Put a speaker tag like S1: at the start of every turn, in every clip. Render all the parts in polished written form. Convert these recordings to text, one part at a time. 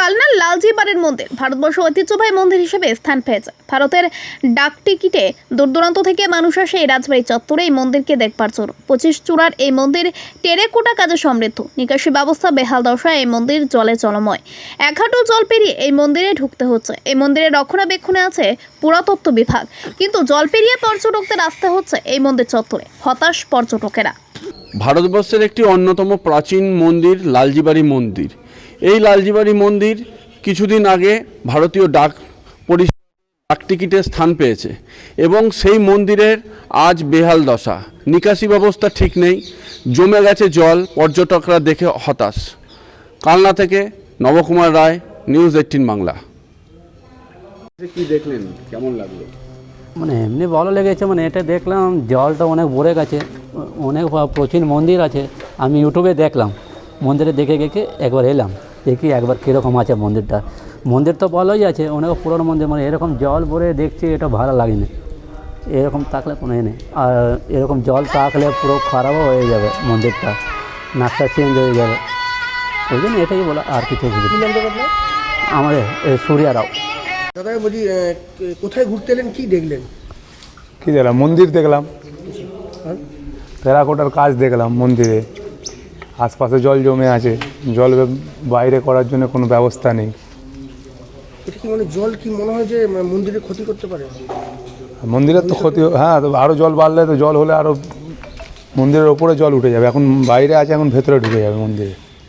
S1: কালনার লালজি বাড়ির মন্দির ভারতবর্ষ ঐতিহ্যবাহী মন্দির হিসেবে স্থান পেয়েছে। ভারতের ডাক টিকিটে দূর দূরান্ত থেকে মানুষ আসে এই রাজবাড়ি চত্বরে এই মন্দিরকে দেখবার জন্য। 25 চূড়ার এই মন্দির টেরেকোটা কাজে সমৃদ্ধ। নিকাশি ব্যবস্থা বেহাল দশায়, এই মন্দির জলে জলময়। এক হাঁটু জল পেরিয়ে এই মন্দিরে ঢুকতে হচ্ছে। এই মন্দিরের রক্ষণাবেক্ষণে আছে পুরাতত্ত্ব বিভাগ, কিন্তু জল পেরিয়ে পর্যটকদের আসতে হচ্ছে এই মন্দির চত্বরে। হতাশ পর্যটকেরা।
S2: ভারতবর্ষের একটি অন্যতম প্রাচীন মন্দির লালজিবাড়ি মন্দির। এই লালজিবাড়ি মন্দির কিছুদিন আগে ভারতীয় ডাক টিকিটে স্থান পেয়েছে এবং সেই মন্দিরের আজ বেহাল দশা। নিকাশি ব্যবস্থা ঠিক নেই, জমে গেছে জল, পর্যটকরা দেখে হতাশ। কালনা থেকে নবকুমার রায়, নিউজ 18 বাংলা। কি দেখলেন, কেমন লাগলো?
S3: এমনি ভালো লেগেছে। এটা দেখলাম জলটা অনেক ভরে গেছে, অনেক প্রাচীন মন্দির আছে। আমি ইউটিউবে দেখলাম, মন্দিরে দেখে একবার এলাম, দেখি একবার কীরকম আছে মন্দিরটা। মন্দির তো ভালোই আছে, অনেক পুরনো মন্দির। এরকম জল ভরে দেখছি, এটা ভালো লাগেনি। এরকম থাকলে কোনো নেই, আর এরকম জল থাকলে পুরো খারাপও হয়ে যাবে মন্দিরটা, নাকটা চেঞ্জ হয়ে যাবে। ওই জন্য এটাই বলা, আর কিছু বুঝি। আমাদের সূর্যা রাও।
S4: দাদা বলছি, কোথায় ঘুরতে এলেন, কি দেখলেন?
S5: কী দেখলাম? মন্দির দেখলাম, টেরাকোটার কাজ দেখলাম মন্দিরে। আশপাশে জল জমে আছে, জল বাইরে করার জন্য কোনো ব্যবস্থা নেই।
S4: এটা কি জল কি মনে হয় যে মন্দিরে ক্ষতি করতে পারে?
S5: মন্দিরের তো ক্ষতি, হ্যাঁ, তো আরও জল বাড়লে, তো জল হলে আরও মন্দিরের ওপরে জল উঠে যাবে। এখন বাইরে আছে, এখন ভেতরে ঢুকে যাবে মন্দিরে।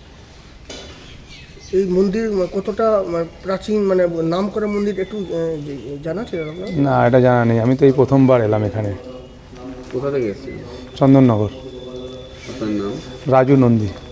S4: এই মন্দির কতটা প্রাচীন, নাম করা মন্দির, একটু জানা ছিল আপনার?
S5: না, এটা জানা নেই। আমি তো এই প্রথমবার এলাম এখানে।
S2: কোথা থেকে এসেছেন?
S5: চন্দননগর।
S2: আপনার নাম?
S5: রাজু নন্দী।